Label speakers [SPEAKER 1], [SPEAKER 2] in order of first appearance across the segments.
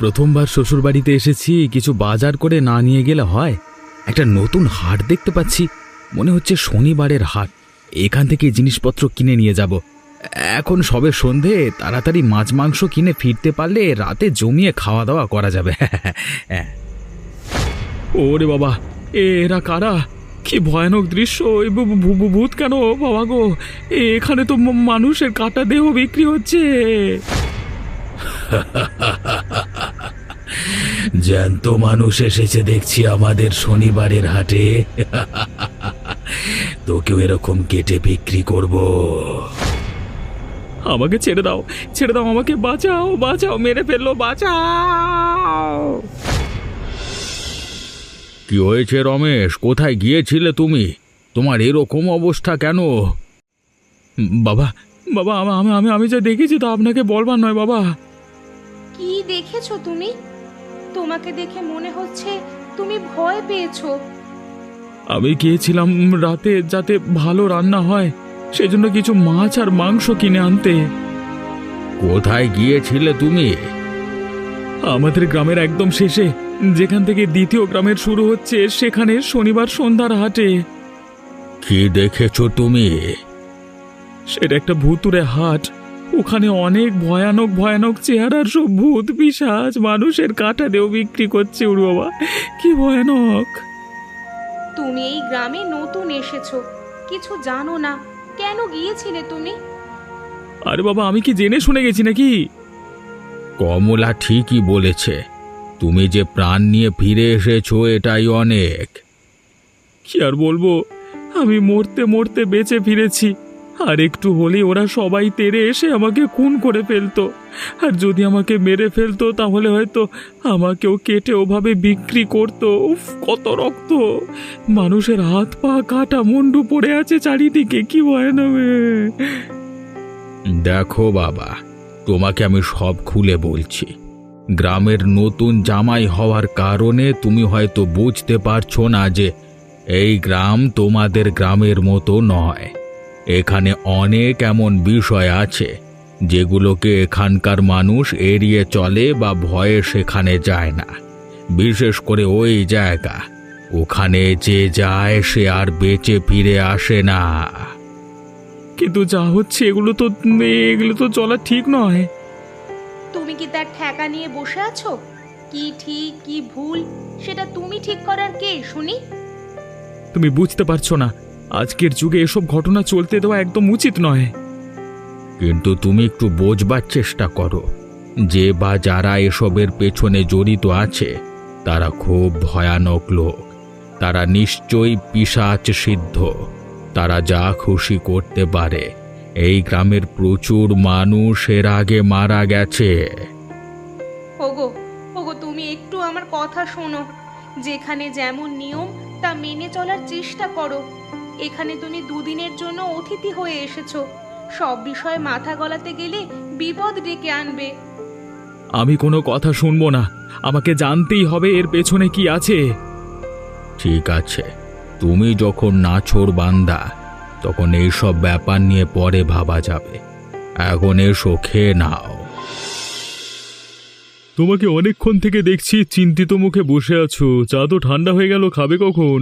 [SPEAKER 1] প্রথমবার শ্বশুরবাড়িতে এসেছি, কিছু বাজার করে না নিয়ে গেলে হয়। একটা নতুন হাট দেখতে পাচ্ছি, মনে হচ্ছে শনিবারের হাট। এখান থেকে জিনিসপত্র কিনে নিয়ে যাব। এখন সবে সন্ধে, তাড়াতাড়ি মাছ মাংস কিনে ফিরতে পারলে রাতে জমিয়ে খাওয়া দাওয়া করা যাবে। ওরে বাবা, এরা কারা? কি ভয়ানক দৃশ্য! ভূত কেন বাবা গো? এখানে তো মানুষের কাটা দেহ বিক্রি হচ্ছে। জ্যান্ত মানুষ এসেছে দেখছি আমাদের শনিবারের হাটে। তোকেও এরকম কেটে বিক্রি করব। আমাকে ছেড়ে দাও, ছেড়ে দাও, আমাকে বাঁচাও, বাঁচাও, মেরে ফেললো, বাঁচাও। কি হয়েছে রমেশ? কোথায় গিয়েছিলে তুমি? তোমার এরকম অবস্থা কেন? বাবা, বাবা, আমি যা দেখেছি তা আপনাকে বলবার নয় বাবা।
[SPEAKER 2] কি দেখেছো তুমি? তোমাকে দেখে মনে হচ্ছে তুমি ভয় পেয়েছো।
[SPEAKER 1] আমি গিয়েছিলাম রাতে যাতে ভালো রান্না হয়, সেজন্য কিছু মাছ আর মাংস কিনে আনতে। কোথায় গিয়েছিলে তুমি? আমাদের গ্রামের একদম শেষে, যেখান থেকে দ্বিতীয় গ্রামের শুরু হচ্ছে, সেখানে শনিবার সন্ধ্যার হাটে। কি দেখেছো তুমি? সেটা একটা ভুতুড়ে হাট। ওখানে অনেক ভয়ানক ভয়ানক চেহারার সব ভূত পিশাচ মানুষের কাটা দেও বিক্রি করছে। উড় বাবা, কি ভয়ানক!
[SPEAKER 2] তুমি এই গ্রামে নতুন এসেছো, কিছু জানো না, কেন গিয়েছিলে তুমি?
[SPEAKER 1] আরে বাবা, আমি কি জেনে শুনে গেছি নাকি? কমলা ঠিকই বলেছে, তুমি যে প্রাণ নিয়ে ফিরে এসেছো এটাই অনেক। কি আর বলবো, আমি মরতে মরতে বেঁচে ফিরেছি। আর একটু হলেই ওরা সবাই তেড়ে এসে আমাকে খুন করে ফেলতো। আর যদি আমাকে মেরে ফেলতো তাহলে হয়তো আমাকেও কেটে ওভাবে বিক্রি করতো। উফ, কত রক্ত! মানুষের হাত পা কাটা, মুন্ডু পড়ে আছে চারিদিকে, কি ভয়ানক! দেখো বাবা, তোমাকে আমি সব খুলে বলছি। গ্রামের নতুন জামাই হওয়ার কারণে তুমি হয়তো বুঝতে পারছো না যে এই গ্রাম তোমাদের গ্রামের মতো নয়। এখানে অনেক এমন বিষয় আছে যেগুলোকে এখানকার মানুষ এড়িয়ে চলে বা ভয়ে সেখানে যায় না। বিশেষ করে ওই জায়গা, ওখানে যে যায় সে আর বেঁচে ফিরে আসে না। কিন্তু যা হচ্ছে এগুলো তো চলা ঠিক নয়।
[SPEAKER 2] তুমি কি তার ঠেকা নিয়ে বসে আছো? কি ঠিক কি ভুল সেটা তুমি ঠিক করার কে শুনি?
[SPEAKER 1] তুমি বুঝতে পারছো না, আজকের যুগে এসব ঘটনা চলতে দেওয়া একদম উচিত নয়। কিন্তু তুমি একটু বোঝবার চেষ্টা করো, যে বা যারা এসবের পেছনে জড়িত আছে তারা খুব ভয়ানক লোক। তারা নিশ্চয়ই পিশাচ সিদ্ধ। তারা যা খুশি করতে পারে। এই গ্রামের প্রচুর মানুষ এর আগে মারা গেছে।
[SPEAKER 2] ওগো, ওগো, তুমি একটু আমার কথা শোনো। যেখানে যেমন নিয়ম তা মেনে চলার চেষ্টা করো। এখানে তুমি দুদিনের জন্য অতিথি হয়ে এসেছো। সব বিষয়ে মাথা গলাতে গেলে বিপদ ডেকে আনবে।
[SPEAKER 1] আমি কোনো কথা শুনবো না, আমাকে জানতেই হবে এর পেছনে কি আছে। ঠিক আছে, তুমি যখন নাছোড় বান্দা, তখন এইসব ব্যাপার নিয়ে পরে ভাবা যাবে। এখন এসো, খেয়ে নাও। তোমাকে অনেকক্ষণ থেকে দেখছি চিন্তিত মুখে বসে আছো। চা তো ঠান্ডা হয়ে গেল, খাবে কখন?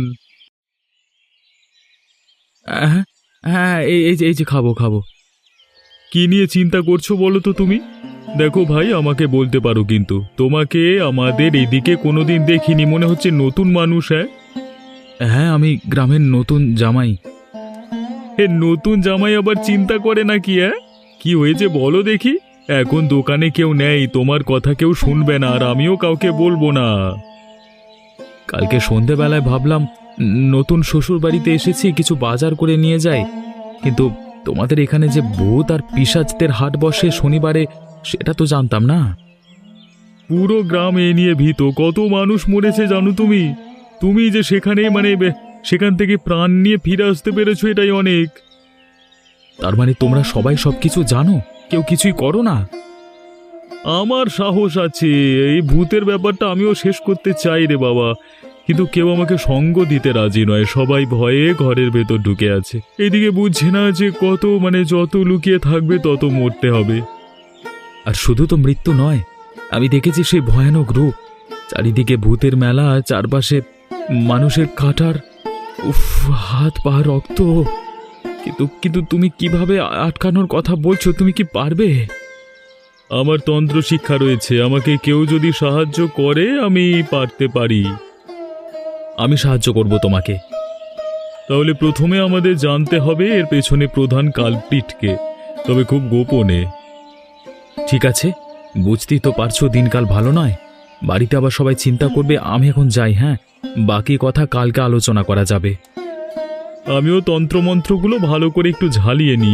[SPEAKER 1] হ্যাঁ, এই যে খাবো। কি নিয়ে চিন্তা করছো বলো তো তুমি? দেখো ভাই, আমাকে বলতে পারো, কিন্তু তোমাকে আমাদের এদিকে কোনোদিন দেখিনি, মনে হচ্ছে নতুন মানুষ। হ্যাঁ, আমি গ্রামের নতুন জামাই। নতুন জামাই আবার চিন্তা করে নাকি? কি হয়েছে বলো দেখি। এখন দোকানে কেউ নেই, তোমার কথা কেউ শুনবে না, আর আমিও কাউকে বলবো না। কালকে সন্ধেবেলায় ভাবলাম নতুন শ্বশুর বাড়িতে এসেছি, কিছু বাজার করে নিয়ে যাই। কিন্তু তোমাদের এখানে যে ভূত আর পিশাচদের হাট বসে শনিবারে, সেটা তো জানতাম না। পুরো গ্রাম এ নিয়ে ভীত, কত মানুষ মরেছে জানো তুমি? তুমি যে সেখান থেকে প্রাণ নিয়ে ফিরে আসতে পেরেছো, এটাই অনেক। তার মানে তোমরা সবাই সবকিছু জানো, কেউ কিছুই করো না? আমার সাহস আছে, এই ভূতের ব্যাপারটা আমিও শেষ করতে চাই রে বাবা, কিন্তু কেউ আমাকে সঙ্গ দিতে রাজি নয়। সবাই ভয়ে ঘরের ভেতর ঢুকে আছে। এদিকে বুঝছে না যে যত লুকিয়ে থাকবে তত মরতে হবে। আর শুধু তো মৃত্যু নয়, আমি দেখেছি সেই ভয়ানক রূপ, চারিদিকে ভূতের মেলা, চারপাশে মানুষের কাটার, উফ, হাত পা রক্ত। কিন্তু কিন্তু তুমি কিভাবে আটকানোর কথা বলছো? তুমি কি পারবে? আমার তন্ত্র শিক্ষা রয়েছে, আমাকে কেউ যদি সাহায্য করে আমি পারতে পারি। আমি সাহায্য করব তোমাকে। তাহলে প্রথমে আমাদের জানতে হবে এর পেছনে প্রধান কালপ্রিটকে, তবে খুব গোপনে। ঠিক আছে, বুঝতেই তো পারছো দিনকাল ভালো নয়, বাড়িতে আবার সবাই চিন্তা করবে। আমি এখন যাই, হ্যাঁ, বাকি কথা কালকে আলোচনা করা যাবে। আমিও তন্ত্রমন্ত্রগুলো ভালো করে একটু ঝালিয়ে নিই।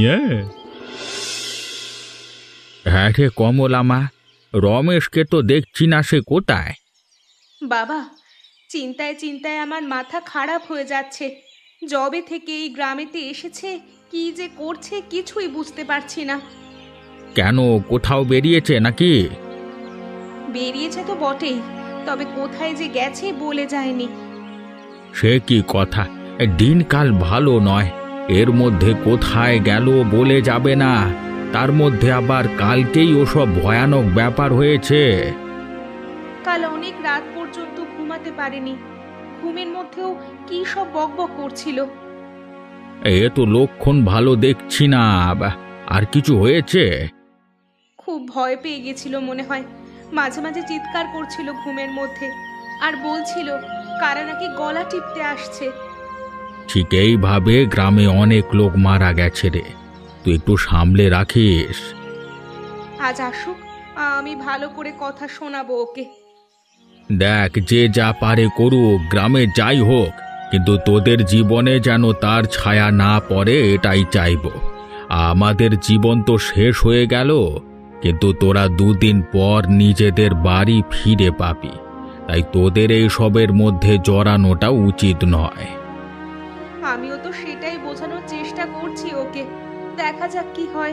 [SPEAKER 3] হ্যাঁ রে কমলামা, রমেশকে তো দেখছি না, সে কোথায়?
[SPEAKER 2] বাবা, চিন্তায় চিন্তায় আমার মাথা খারাপ হয়ে যাচ্ছে। যবে থেকে এই গ্রামেতে এসেছে কি যে করছে কিছুই বুঝতে পারছি না।
[SPEAKER 3] কেন, কোথাও বেরিয়েছে নাকি?
[SPEAKER 2] বেরিয়েছে তো বটেই, তবে কোথায় যে গেছে বলে যায়নি।
[SPEAKER 3] সে কি কথা, দিনকাল ভালো নয়, এর মধ্যে কোথায় গেল বলে যাবে না, তার মধ্যে আবার কালকেই ওসব ভয়ানক ব্যাপার হয়েছে।
[SPEAKER 2] কাল অনেক রাত পর্যন্ত ঘুমাতে পারেনি, ঘুমের মধ্যেও কি সব বকবক করছিল।
[SPEAKER 3] এ তো লক্ষণ ভালো দেখছি না, আর কিছু হয়েছে?
[SPEAKER 2] খুব ভয় পেয়ে গেছিল মনে হয়, মাঝে মাঝে চিৎকার করছিল ঘুমের মধ্যে, আর বলছিল কারা নাকি গলা টিপতে আসছে।
[SPEAKER 3] ঠিক এইভাবে গ্রামে অনেক লোক মারা গেছে রে, তুই একটু সামলে রাখিস।
[SPEAKER 2] আজ আসুক, আমি ভালো করে কথা শোনাবো ওকে।
[SPEAKER 3] দেখ, যে যা পারে করুক, গ্রামে যাই হোক, কিন্তু তোদের জীবনে যেন তার ছায়া না পড়ে এটাই চাইবো। আমাদের জীবন তো শেষ হয়ে গেল, কিন্তু তোরা দুদিন পর নিজেদের বাড়ি ফিরে পাবি, তাই তোদের এই সবের মধ্যে জড়ানোটা উচিত নয়।
[SPEAKER 2] আমিও তো সেটাই বোঝানোর চেষ্টা করছি ওকে, দেখা যাক কি হয়।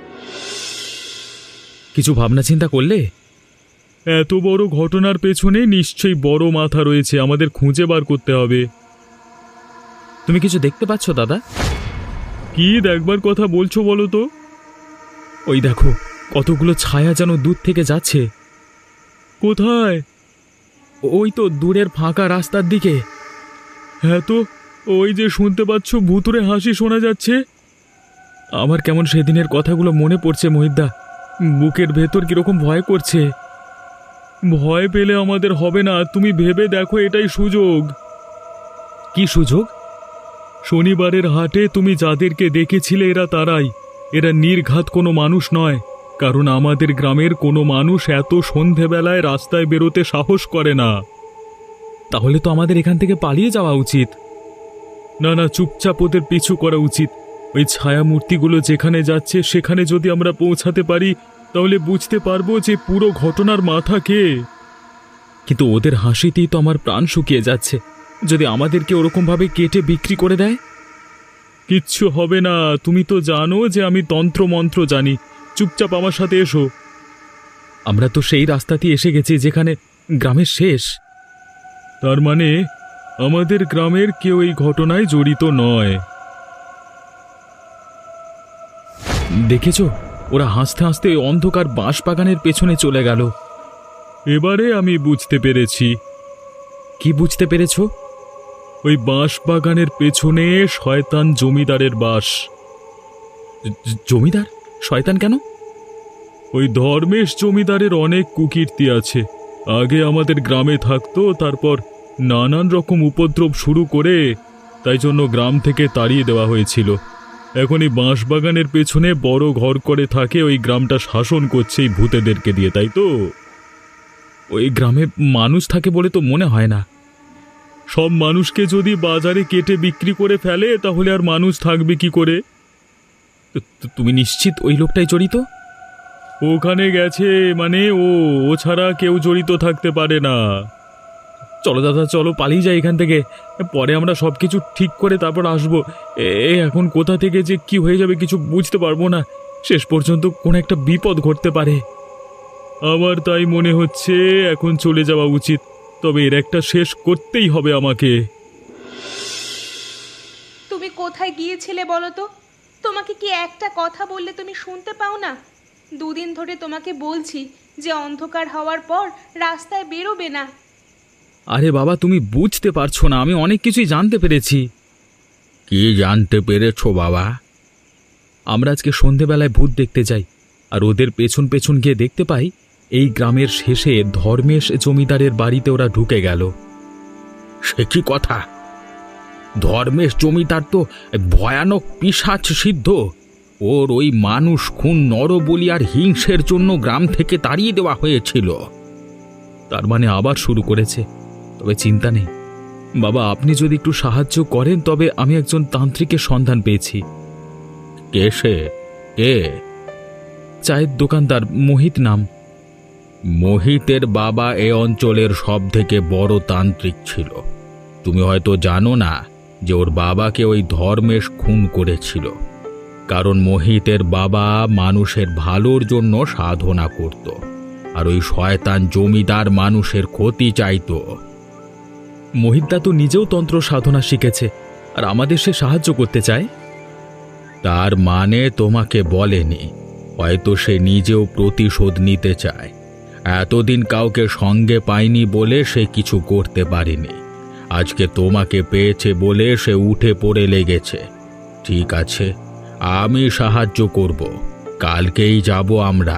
[SPEAKER 1] কিছু ভাবনা চিন্তা করলে? এত বড় ঘটনার পেছনে নিশ্চয়ই বড় মাথা রয়েছে, আমাদের খুঁজে বার করতে হবে। তুমি কিছু দেখতে পাচ্ছ দাদা? কি দেখবার কথা বলছো বলো তো? ওই দেখো, কতগুলো ছায়া যেন দূর থেকে যাচ্ছে। কোথায়? ওই তো দূরের ফাঁকা রাস্তার দিকে। হ্যাঁ তো, ওই যে শুনতে পাচ্ছ ভুতুড়ে হাসি শোনা যাচ্ছে। আমার কেমন সেদিনের কথাগুলো মনে পড়ছে মহিদ্দা, বুকের ভেতর কিরকম ভয় করছে। ভয় পেলে আমাদের হবে না, তুমি ভেবে দেখো এটাই সুযোগ। কি সুযোগ? শনিবারের হাটে তুমি যাদেরকে দেখেছিলে এরা তারাই, এরা নির্ঘাত কোনো মানুষ নয়, কারণ আমাদের গ্রামের কোনো মানুষ এত সন্ধেবেলায় রাস্তায় বেরোতে সাহস করে না। তাহলে তো আমাদের এখান থেকে পালিয়ে যাওয়া উচিত। না না, চুপচাপ ওদের পিছু করা উচিত। ওই ছায়া মূর্তিগুলো যেখানে যাচ্ছে সেখানে যদি আমরা পৌঁছাতে পারি তাহলে বুঝতে পারবো যে পুরো ঘটনার মাথা কে। কিন্তু ওদের হাসিতেই তো আমার প্রাণ শুকিয়ে যাচ্ছে, যদি আমাদেরকে ওরকমভাবে কেটে বিক্রি করে দেয়। কিচ্ছু হবে না, তুমি তো জানো যে আমি তন্ত্রমন্ত্র জানি, চুপচাপ আমার সাথে এসো। আমরা তো সেই রাস্তাতেই এসে গেছি যেখানে গ্রামের শেষ। তার মানে আমাদের গ্রামের কেউ এই ঘটনায় জড়িত নয়। দেখেছো, ওরা হাসতে হাসতে অন্ধকার বাঁশবাগানের পেছনে চলে গেল। এবারে আমি বুঝতে পেরেছি। কি বুঝতে পেরেছো? ওই বাঁশবাগানের পেছনে শয়তান জমিদারের বাস। জমিদার? শয়তান কেন? ওই ধর্মেশ জমিদারের অনেক কুকীর্তি আছে। আগে আমাদের গ্রামে থাকতো, তারপর নানান রকম উপদ্রব শুরু করে, তাই জন্য গ্রাম থেকে তাড়িয়ে দেওয়া হয়েছিল। এখন এই বাঁশবাগানের পেছনে বড় ঘর করে থাকে, ওই গ্রামটা শাসন করছে এই ভূতেদেরকে দিয়ে, তাই তো? ওই গ্রামে মানুষ থাকে বলে তো মনে হয় না। সব মানুষকে যদি বাজারে কেটে বিক্রি করে ফেলে তাহলে আর মানুষ থাকবে কি করে? তুমি নিশ্চিত ওই লোকটাই জড়িত? ওখানে গেছে মানে ও ছাড়া কেউ জড়িত থাকতে পারে না। চলো দাদা, চলো পালিয়ে যাই এখান থেকে, পরে আমরা সব কিছু ঠিক করে তারপর আসবো। এখন কোথা থেকে যে কি হয়ে যাবে কিছু বুঝতে পারবো না, শেষ পর্যন্ত কোন একটা বিপদ ঘটতে পারে। আমার তাই মনে হচ্ছে এখন চলে যাওয়া উচিত, তবে এর একটা শেষ করতেই হবে আমাকে।
[SPEAKER 2] তুমি কোথায় গিয়েছিলে বলো তো? তোমাকে কি একটা কথা বললে তুমি শুনতে পাও না? দুদিন ধরে তোমাকে বলছি যে অন্ধকার হওয়ার পর রাস্তায় বেরোবে না।
[SPEAKER 1] আরে বাবা, তুমি বুঝতে পারছো না, আমি অনেক কিছুই জানতে পেরেছি।
[SPEAKER 3] কি জানতে পেরেছো বাবা?
[SPEAKER 1] আমরা আজকে সন্ধেবেলায় ভূত দেখতে যাই, আর ওদের পেছন পেছন গিয়ে দেখতে পাই এই গ্রামের শেষে ধর্মেশ জমিদারের বাড়িতে ওরা ঢুকে গেল।
[SPEAKER 3] সে কি কথা? ধর্মেশ জমিদার তো ভয়ানক পিশাচ সিদ্ধ। ওর ওই মানুষ খুন, নরবলি আর হিংসের জন্য গ্রাম থেকে তাড়িয়ে দেওয়া হয়েছিল।
[SPEAKER 1] তার মানে আবার শুরু করেছে। তবে চিন্তা নেই বাবা, আপনি যদি একটু সাহায্য করেন তবে আমি একজন তান্ত্রিকের সন্ধান পেয়েছি।
[SPEAKER 3] কে সে? কে?
[SPEAKER 1] চায়ের দোকানদার, মোহিত নাম।
[SPEAKER 3] মোহিতের বাবা এ অঞ্চলের সব থেকে বড় তান্ত্রিক ছিল। তুমি হয়তো জানো না যে ওর বাবাকে ওই ধর্মেশ খুন করেছিল, কারণ মোহিতের বাবা মানুষের ভালোর জন্য সাধনা করত, আর ওই শয়তান জমিদার মানুষের ক্ষতি চাইতো।
[SPEAKER 1] মোহিতদা তো নিজেও তন্ত্র সাধনা শিখেছে, আর আমাদের সে সাহায্য করতে চায়।
[SPEAKER 3] তার মানে তোমাকে বলেনি, হয়তো সে নিজেও প্রতিশোধ নিতে চায়। এতদিন কাউকে সঙ্গে পায়নি বলে সে কিছু করতে পারেনি। আজকে তোমাকে পেয়েছে বলে সে উঠে পড়ে লেগেছে। ঠিক আছে, আমি সাহায্য করব। কালকেই যাব আমরা।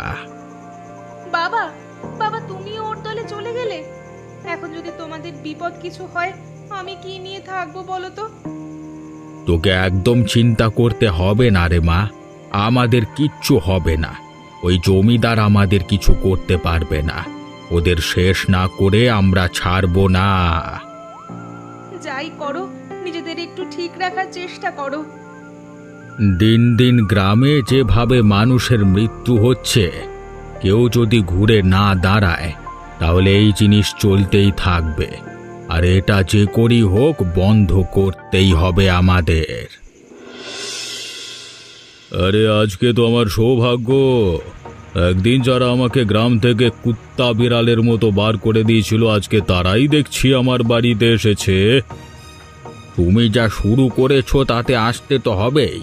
[SPEAKER 2] বাবা, বাবা তুমি ওর দলে চলে গেলে? এখন যদি তোমাদের বিপদ কিছু হয় আমি কি নিয়ে থাকবো বলো তো?
[SPEAKER 3] তোকে একদম চিন্তা করতে হবে না রে মা, আমাদের কিচ্ছু হবে না। ওই জমিদার আমাদের কিছু করতে পারবে না। ওদের শেষ না করে আমরা ছাড়বো না।
[SPEAKER 2] যাই করো, নিজেদের একটু ঠিক রাখার চেষ্টা করো।
[SPEAKER 3] দিন দিন গ্রামে যেভাবে মানুষের মৃত্যু হচ্ছে, কেউ যদি ঘুরে না দাঁড়ায় তাহলে এই জিনিস চলতেই থাকবে। আর এটা যে করি হোক বন্ধ করতেই হবে আমাদের।
[SPEAKER 1] আরে আজকে তো আমার সৌভাগ্য। একদিন যারা আমাকে গ্রাম থেকে কুত্তা বিড়ালের মতো বার করে দিয়েছিল, আজকে তারাই দেখছি আমার বাড়িতে এসেছে।
[SPEAKER 3] তুমি যা শুরু করেছো তাতে আসতে তো হবেই।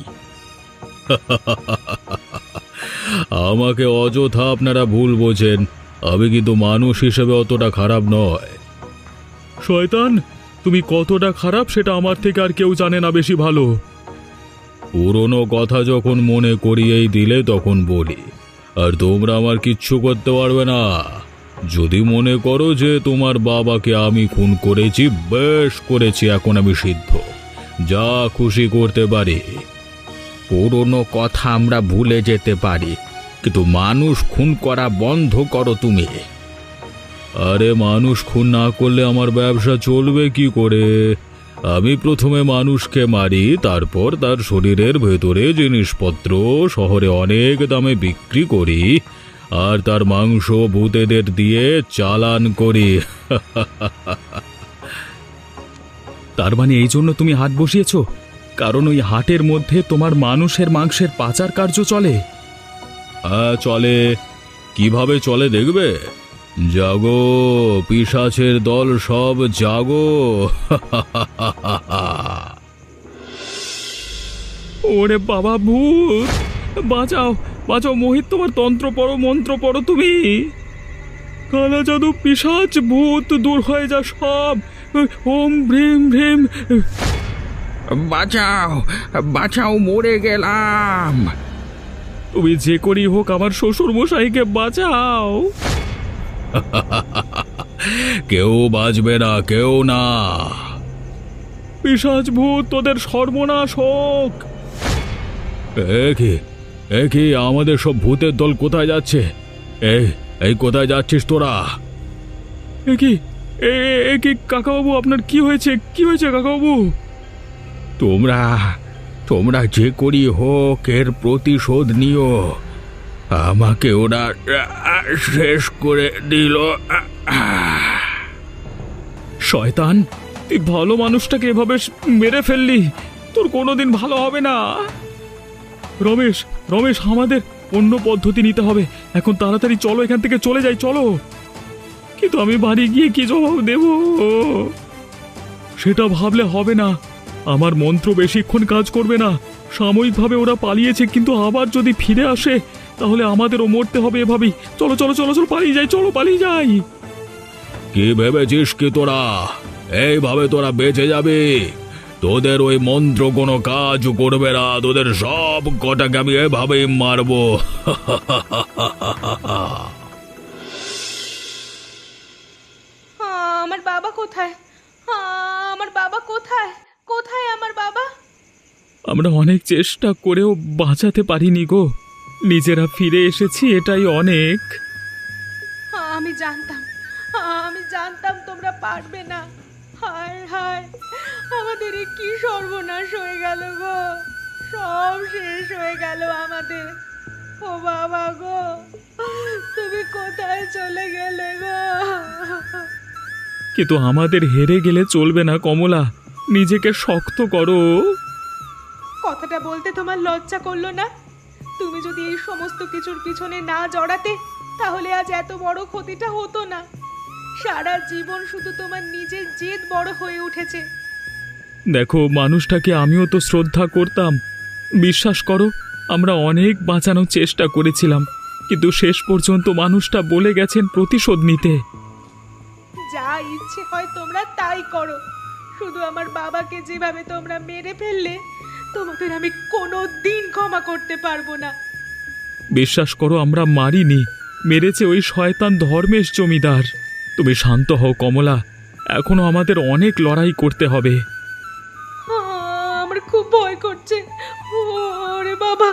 [SPEAKER 1] আমাকে অযথা আপনারা ভুল বোঝেন, আমি কিন্তু মানুষ হিসেবে অতটা খারাপ নয়। শয়তান, তুমি কতটা খারাপ সেটা আমার থেকে আর কেউ জানে না বেশি ভালো। পুরনো কথা যখন মনে করিয়েই দিলে তখন বলি, আর তোমরা আমার কিচ্ছু করতে পারবে না। যদি মনে করো যে তোমার বাবাকে আমি খুন করেছি, বেশ করেছি, এখন আমি সিদ্ধ, যা খুশি করতে পারি।
[SPEAKER 3] পুরনো কথা আমরা ভুলে যেতে পারি, কিন্তু মানুষ খুন করা বন্ধ করো তুমি।
[SPEAKER 1] আরে মানুষ খুন না করলে আমার ব্যবসা চলবে কি করে? আমি প্রথমে মানুষকে মারি, তারপর তার শরীরের ভেতরে জিনিসপত্র শহরে অনেক দামে বিক্রি করি, আর তার মাংস ভূতেদের দিয়ে চালান করি। তার মানে এই জন্য তুমি হাট বসিয়েছো? কারণ ওই হাটের মধ্যে তোমার মানুষের মাংসের পাচার কার্য চলে? হ্যাঁ চলে। কিভাবে চলে দেখবে? জাগো পিশাচের দল, সব জাগো। ওরে বাবা, ভূত! বাঁচাও, বাঁচাও মোহিত, তোমার তন্ত্র পড়ো, মন্ত্র পড়ো তুমি। কালা জাদু, পিশাচ, ভূত দূর হয়ে যা সব। ওম ভ্রিম ভ্রিম।
[SPEAKER 3] বাঁচাও, বাঁচাও, মরে গেলাম।
[SPEAKER 1] তুমি যে করি হোক আমার শ্বশুর মশাইকে বাঁচাও। কেউ বাঁচবে না, কেউ না। পিশাচ ভূত, তোদের সর্বনাশ হোক। একি আমাদের সব ভূতের দল কোথায় যাচ্ছে? এই কোথায় যাচ্ছিস তোরা? একি কাকাবাবু, আপনার কি হয়েছে? কি হয়েছে কাকাবাবু?
[SPEAKER 3] তোমরা যে করি হোক এর প্রতিশোধ নিও। আমাকে ওরা শেষ করে দিল।
[SPEAKER 1] শয়তান, তুই ভালো মানুষটাকে এভাবে মেরে ফেললি, তোর কোনোদিন ভালো হবে না। রমেশ, রমেশ, আমাদের অন্য পদ্ধতি নিতে হবে। এখন তাড়াতাড়ি চলো, এখান থেকে চলে যাই, চলো। কিন্তু আমি বাড়ি গিয়ে কি জবাব দেব? সেটা ভাবলে হবে না। আমার মন্ত্র বেশিক্ষণ কাজ করবে না। সাময়িকভাবে ওরা পালিয়েছে, কিন্তু আবার যদি ফিরে আসে তাহলে আমাদেরও মরতে হবে এভাবেই। চলো চলো চলো চলো, পালিয়ে যাই, চলো পালিয়ে যাই।
[SPEAKER 3] কি ভেবেছিস কি তোরা এইভাবে তোরা বেঁচে যাবে? তোদের ওই মন্ত্র কোনো কাজ করবে না, তোদের সব কটাকে আমি এভাবেই মারবো।
[SPEAKER 2] আমার বাবা কোথায়? আমার বাবা কোথায়? কোথায় আমার বাবা?
[SPEAKER 1] আমরা অনেক চেষ্টা করেও বাঁচাতে পারিনি গো। নিজেরা ফিরে এসেছি, এটাই অনেক।
[SPEAKER 2] আমি জানতাম, আমি জানতাম তোমরা পারবে না। হায় হায়, আমাদের এ কি সর্বনাশ হয়ে গেল গো, সব শেষ হয়ে গেল আমাদের। ও বাবা গো, তুমি কোথায় চলে গেলে গো?
[SPEAKER 1] কিন্তু আমাদের হেরে গেলে চলবে না কমলা, নিজেকে শক্ত করো।
[SPEAKER 2] কথাটা বলতে তোমার লজ্জা করলো না? তুমি যদি এই সমস্ত কিছুর পিছনে না জড়াতে, তাহলে আজ এত বড় ক্ষতিটা হতো না। সারা জীবন শুধু তোমার নিজের জেদ বড় হয়ে উঠেছে।
[SPEAKER 1] দেখো, মানুষটাকে আমিও তো শ্রদ্ধা করতাম। বিশ্বাস করো, আমরা অনেক বাঁচানোর চেষ্টা করেছিলাম, কিন্তু শেষ পর্যন্ত মানুষটা বলে গেছেন প্রতিশোধ নিতে।
[SPEAKER 2] যা ইচ্ছে হয় তোমরা তাই করো, শুধু আমার বাবাকে যেভাবে তোমরা মেরে ফেললে, তোমাদের আমি কোনো দিন ক্ষমা করতে পারবো না।
[SPEAKER 1] বিশ্বাস করো, আমরা মারিনি, মেরেছে ওই শয়তান ধর্মেশ জমিদার। তুমি শান্ত হও কমলা, এখনো আমাদের অনেক লড়াই করতে হবে।
[SPEAKER 2] আমার খুব ভয় করছে। ওরে বাবা!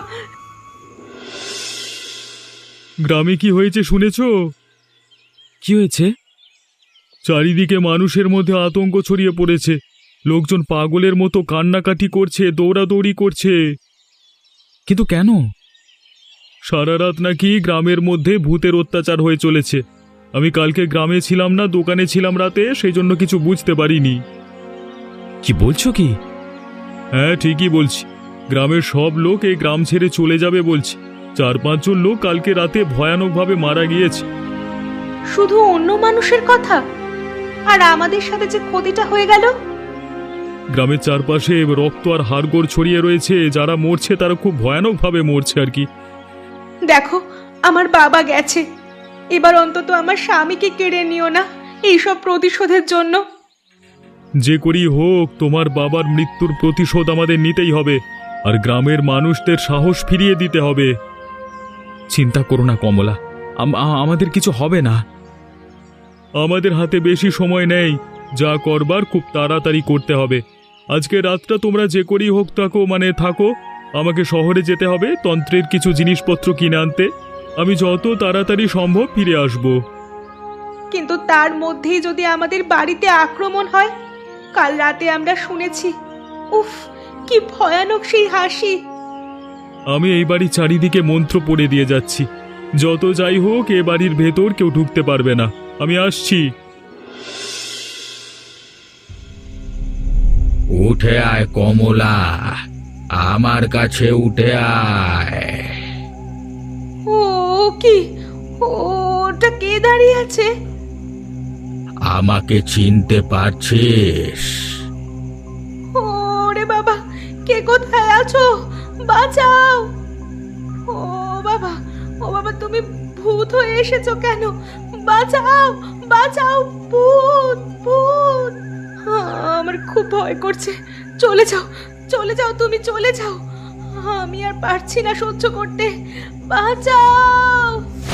[SPEAKER 1] গ্রামে কি হয়েছে শুনেছ? কি হয়েছে? চারিদিকে মানুষের মধ্যে আতঙ্ক ছড়িয়ে পড়েছে। লোকজন পাগলের মতো কান্নাকাটি করছে, দৌড়াদৌড়ি করছে। কিন্তু কেন? সারা রাত নাকি গ্রামের মধ্যে ভূতের অত্যাচার হয়ে চলেছে। আমি কালকে গ্রামে ছিলাম না, দোকানে ছিলাম রাতে, সেই জন্য কিছু বুঝতে পারিনি। কি বলছো কি? হ্যাঁ, ঠিকই বলছি। গ্রামের সব লোক এই গ্রাম ছেড়ে চলে যাবে বলছে। 4-5 জন লোক কালকে রাতে ভয়ানকভাবে মারা গিয়েছে।
[SPEAKER 2] শুধু অন্য মানুষের কথা, আর আমাদের সাথে যে ক্ষতিটা হয়ে গেল।
[SPEAKER 1] গ্রামের চারপাশে রক্ত আর হাড়গোড় ছড়িয়ে রয়েছে। যারা মরছে তারা খুব ভয়ানকভাবে মরছে আর কি।
[SPEAKER 2] দেখো, আমার বাবা গেছে, এবার অন্তত আমার স্বামীকে কেড়ে নিও না এইসব প্রতিশোধের জন্য।
[SPEAKER 1] যে করি হোক, তোমার বাবার মৃত্যুর প্রতিশোধ আমাদের নিতেই হবে, আর গ্রামের মানুষদের সাহস ফিরিয়ে দিতে হবে। চিন্তা করো না কমলা, আমাদের কিছু হবে না। আমাদের হাতে বেশি সময় নেই, যা করবার খুব তাড়াতাড়ি করতে হবে। আজকে রাতটা তোমরা যে করেই হোক থাকো। আমাকে শহরে যেতে হবে তন্ত্রের কিছু জিনিসপত্র কিনে আনতে। আমি যত তাড়াতাড়ি সম্ভব ফিরে আসব।
[SPEAKER 2] কিন্তু তার মধ্যেই যদি আমাদের বাড়িতে আক্রমণ হয়? কাল রাতে আমরা শুনেছি, উফ, কি ভয়ানক সেই হাসি।
[SPEAKER 1] আমি এই বাড়ির চারিদিকে মন্ত্র পড়ে দিয়ে যাচ্ছি। যত যাই হোক, এ বাড়ির ভেতর কেউ ঢুকতে পারবে না। আমি আসছি।
[SPEAKER 3] উঠে আয় কমলা, আমার কাছে উঠে আয়।
[SPEAKER 2] ও কি, ওটা কে দাঁড়িয়ে আছে?
[SPEAKER 3] আমাকে চিনতে পারছিস?
[SPEAKER 2] ওরে বাবা, কে কোথায় আছো? বাঁচাও! ও বাবা, ও বাবা, তুমি ভূত হয়ে এসেছো কেন? বাঁচাও, বাঁচাও! ভূত, ভূত! আমার খুব ভয় করছে। চলে যাও, চলে যাও, তুমি চলে যাও। আমি আর পারছি না সহ্য করতে। বাঁচাও!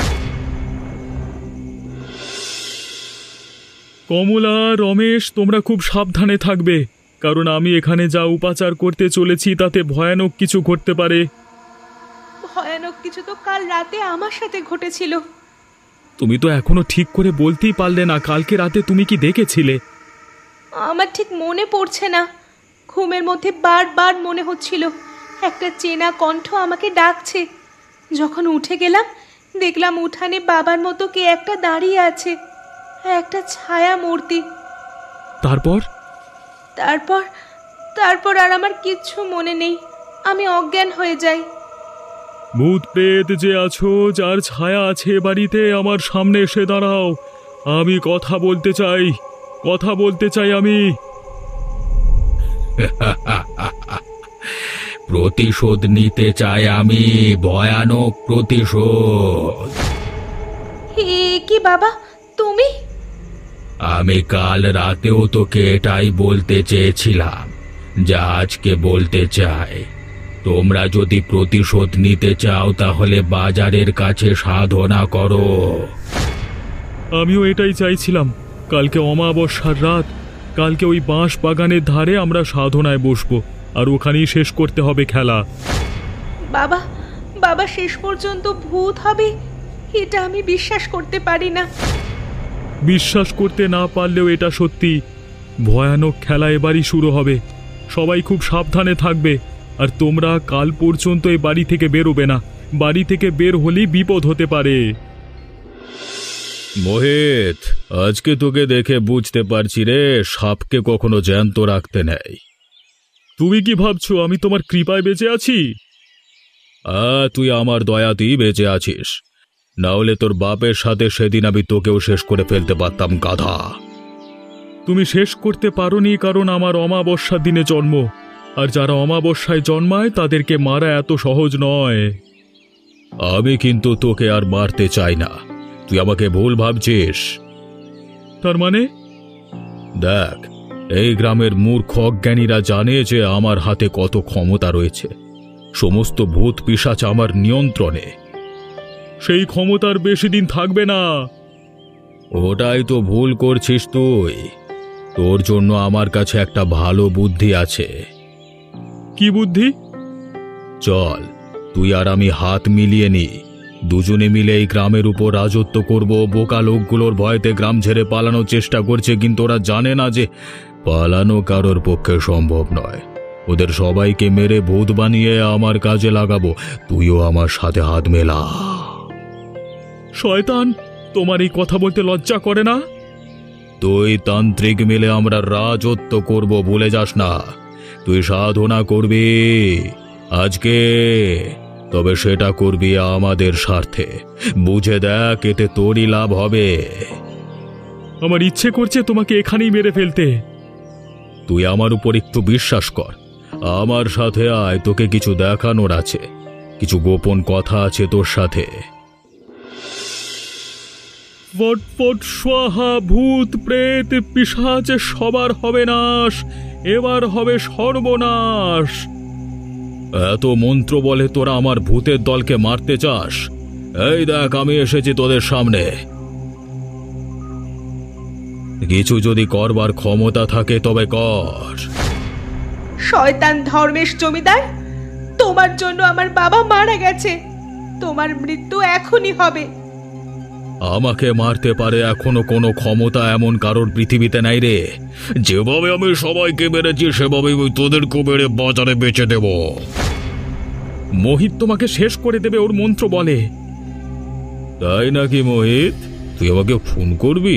[SPEAKER 1] কমলা, রমেশ, তোমরা খুব সাবধানে থাকবে, কারণ আমি এখানে যা উপাচার করতে চলেছি তাতে ভয়ানক কিছু ঘটতে পারে।
[SPEAKER 2] ভয়ানক কিছু তো কাল রাতে আমার সাথে ঘটেছিল।
[SPEAKER 1] তুমি তো এখনো ঠিক করে বলতেই পারলে না, কালকে রাতে তুমি কি দেখেছিলে?
[SPEAKER 2] আমার ঠিক মনে পড়ছে না। ঘুমের মধ্যে বারবার মনে হচ্ছিল একটা চেনা কণ্ঠ আমাকে ডাকছে। যখন উঠে গেলাম, দেখলাম উঠানে বাবার মতো কে একটা দাঁড়িয়ে আছে, একটা ছায়া মূর্তি।
[SPEAKER 1] তারপর?
[SPEAKER 2] তারপর তারপর আর আমার কিচ্ছু মনে নেই। আমি অজ্ঞান হয়ে যাই।
[SPEAKER 1] ভূত প্রেত যে আছো, যার ছায়া আছে বাড়িতে, আমার সামনে এসে দাঁড়াও। আমি কথা বলতে চাই, কথা বলতে চাই আমি।
[SPEAKER 3] প্রতিশোধ নিতে চাই আমি, ভয়ানক প্রতিশোধ।
[SPEAKER 2] হে কি বাবা, তুমি?
[SPEAKER 3] আমি কাল রাতেও তোকে এটাই বলতে চেয়েছিলাম, যা আজকে বলতে চাই। তোমরা যদি প্রতিশোধ নিতে চাও তাহলে বাজারের কাছে সাধনা করো।
[SPEAKER 1] আমিও এটাই চাইছিলাম। কালকে অমাবস্যার রাত, কালকে ওই বাঁশ বাগানের ধারে আমরা সাধনায় বসবো, আর ওখানেই শেষ করতে হবে খেলা।
[SPEAKER 2] বাবা, বাবা শেষ পর্যন্ত ভূত হবে, এটা আমি বিশ্বাস করতে পারি না।
[SPEAKER 1] বিশ্বাস করতে না পারলেও এটা সত্যি। ভয়ানক খেলা এবারই শুরু হবে। সবাই খুব সাবধানে থাকবে, আর তোমরা কাল পর্যন্ত এই বাড়ি থেকে বেরোবে না। বাড়ি থেকে বের হলেই বিপদ হতে পারে। মোহিত, আজকে তোকে দেখে বুঝতে পারছি রে, সাপকে কখনো জ্যান্ত রাখতে নেই। তুমি কি ভাবছো আমি তোমার কৃপায় বেঁচে আছি? তুই আমার দয়াতেই বেঁচে আছিস, না হলে তোর বাপের সাথে সেদিন আমি তোকেও শেষ করে ফেলতে পারতাম, গাধা। তুমি শেষ করতে পারোনি কারণ আমার অমাবস্যার দিনে জন্ম, আর যারা অমাবস্যায় জন্মায় তাদেরকে মারা এত সহজ নয়। আমি কিন্তু তোকে আর মারতে চাই না, তুই আমাকে ভুল ভাবছিস। তার মানে? দেখ, এই গ্রামের মূর্খ অজ্ঞানীরা জানে যে আমার হাতে কত ক্ষমতা রয়েছে। সমস্ত ভূত পিশাচ আমার নিয়ন্ত্রণে। সেই ক্ষমতার বেশি দিন থাকবে না। ওটাই তো ভুল করছিস তুই। তোর জন্য আমার কাছে একটা ভালো বুদ্ধি আছে। কি বুদ্ধি? চল, তুই আর আমি হাত মিলিয়ে নি, দুজনে মিলে এই গ্রামের উপর রাজত্ব করব। বোকা লোকগুলোর ভয়তে গ্রাম ছেড়ে পালানোর চেষ্টা করছে, কিন্তু ওরা জানে না যে পালানো কারোর পক্ষে সম্ভব নয়। ওদের সবাইকে মেরে ভূত বানিয়ে আমার কাজে লাগাবো। তুইও আমার সাথে হাত মেলা। শয়তান, তোমার এই কথা বলতে লজ্জা করে না? তুই তান্ত্রিক মিলে আমরা রাজত্ব করব, ভুলে যাস না। তুই সাধনা করবি আজকে, তবে সেটা করবি আমাদের স্বার্থে। বুঝে দেখ, এতে তোরই লাভ হবে। আমার ইচ্ছে করছে তোমাকে এখানেই মেরে ফেলতে। তুই আমার উপর একটু বিশ্বাস কর, আমার সাথে আয়, তোকে কিছু দেখানোর আছে, কিছু গোপন কথা আছে তোর সাথে। ফটফট স্বাহা, ভূত প্রেত পিশাচ সবার হবে নাশ, এবার হবে সর্বনাশ। এত মন্ত্র বলে তোরা আমার ভূতের দলকে মারতে চাস? এই দেখ, আমি এসেছি তোদের সামনে। কিছু যদি করবার ক্ষমতা থাকে তবে কর।
[SPEAKER 2] শয়তান ধর্মেশ জমিদার, তোমার জন্য আমার বাবা মারা গেছে, তোমার মৃত্যু এখনই হবে।
[SPEAKER 3] আমাকে মারতে পারে এখনো কোনো ক্ষমতা এমন কারোর পৃথিবীতে নাই রে। যেভাবে আমি সবাইকে মেরেছি সেভাবেই তোদেরকে মেরে বাজারে বেচে দেব। মোহিত তোমাকে শেষ করে দেবে ওর মন্ত্র বলে। তাই নাকি মোহিত? তুই আমাকে ফোন করবি?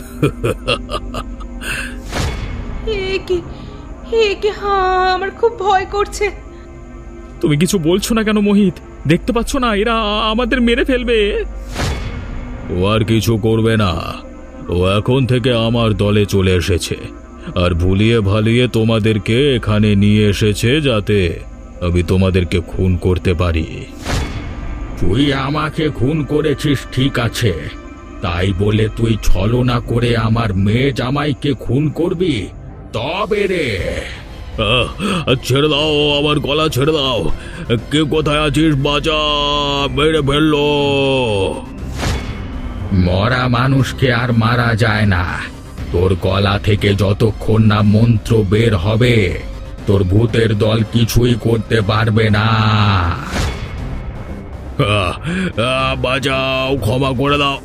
[SPEAKER 2] আমার খুব ভয় করছে।
[SPEAKER 1] তুমি কিছু বলছো না কেন মোহিত? দেখতে পাচ্ছ না এরা আমাদের মেরে ফেলবে? ও আর কিছু করবে না, ও এখন থেকে আমার দলে চলে এসেছে, আর ভুলিয়ে ভালিয়ে তোমাদেরকে এখানে নিয়ে এসেছে যাতে আমি তোমাদেরকে খুন করতে পারি। তুই আমাকে খুন করেছিস ঠিক আছে, তাই বলে তুই ছলনা করে আমার মেয়ে জামাইকে খুন করবি? তবে রে, ছেড়ে দাও, আমার গলা ছেড়ে দাও। কে কোথায় আছিস? বাজা, মেরে ফেললো। মরা মানুষকে আর মারা যায় না। তোর গলা থেকে যতক্ষণ না মন্ত্র বের হবে তোর ভূতের দল কিছুই করতে পারবে না। বাজাও, ক্ষমা করে দাও।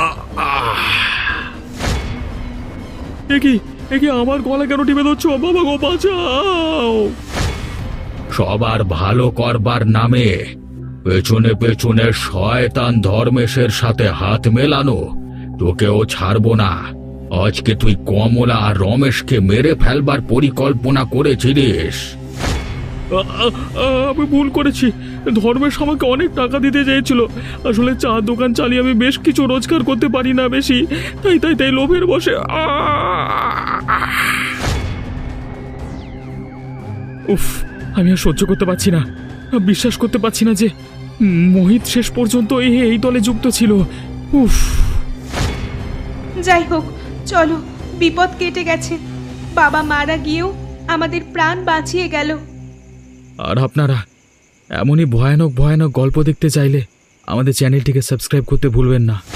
[SPEAKER 1] একি আমার গলা কেন টিপে ধরছো? বাবা গো, বাঁচাও। সবার ভালো করবার নামে পেছনে পেছনে শয়তান ধর্মেশের সাথে হাত মেলানো, তোকেও ছাড়বো না। আজকে তুই কমলা আর রমেশকে মেরে ফেলবার পরিকল্পনা করেছিলিস। আমি ভুল করেছি। ধর্মেশ আমাকে অনেক টাকা দিতে চেয়েছিল। আসলে চা দোকান চালিয়ে আমি বেশ কিছু রোজগার করতে পারি না বেশি, তাই লোভের বসে। উফ, আমি আর সহ্য করতে পারছি না। বিশ্বাস করতে পারছি না যে মোহিত শেষ পর্যন্ত এই দলে যুক্ত ছিল। উফ।
[SPEAKER 2] যাই হোক, চলো, বিপদ কেটে গেছে। বাবা মারা গিয়েও আমাদের প্রাণ বাঁচিয়ে গেল।
[SPEAKER 1] আর আপনারা এমনই ভয়ানক ভয়ানক গল্প দেখতে চাইলে আমাদের চ্যানেলটিকে সাবস্ক্রাইব করতে ভুলবেন না।